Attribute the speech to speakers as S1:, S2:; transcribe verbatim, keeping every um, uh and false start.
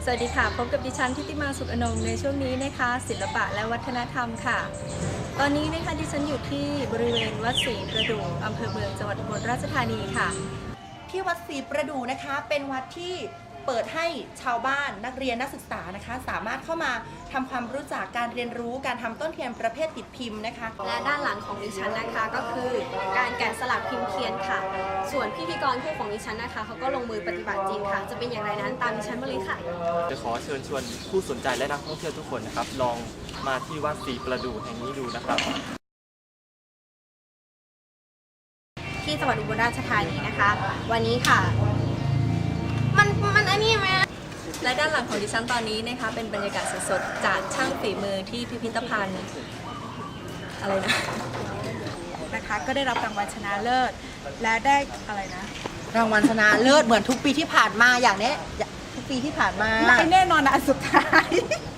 S1: วัสดีค่ะพบกับดิฉันทิติมาสุขอนงในช่วงนี้นะคะศิลปะและวัฒนธรรมค่ะ ตอนนี้นะคะดิฉันอยู่ที่บริเวณวัดศรีประดู่อำเภอเมืองจังหวัดอุบลราชธานีค่ะ
S2: ที่วัดศรีประดู่นะคะเป็นวัดที่เปิดให้ชาวบ้านนักเรียนนักศึกษานะคะสามารถเข้ามาทำความรู้จักการเรียนรู้การทำต้นเทียนประเภทติดพิมพ์นะคะ
S1: และด้านหลังของดิฉันนะคะก็คือการแกะสลักพิมพ์เทียนค่ะส่วนพิธีกรคู่ของดิฉันนะคะเขาก็ลงมือปฏิบัติจริงค่ะจะเป็นอย่างไรนั้นตามดิฉันมาเลยค่ะ
S3: จะขอเชิญชวนผู้สนใจและนักท่องเที่ยวทุกคนนะครับลองมาที่วัดศรีประดู่แห่งนี้ดูนะครับ
S1: ที่จังหวัดอุบลราชธานีนะคะ วันนี้ค่ะมันมันอันนี้ไหมและด้านหลังของดิฉันตอนนี้นะคะเป็นบรรยากาศสดๆจากช่างฝีมือที่พิพิธภัณฑ์อะไรนะ
S4: นะคะก็ได้รับรางวัลชนะเลิศและได้อะไรนะ
S2: รางวัลชนะเลิศเหมือนทุกปีที่ผ่านมาอย่างนี้ทุกปีที่ผ่านมา
S4: ไม่แน่นอนนะอันสุดท้าย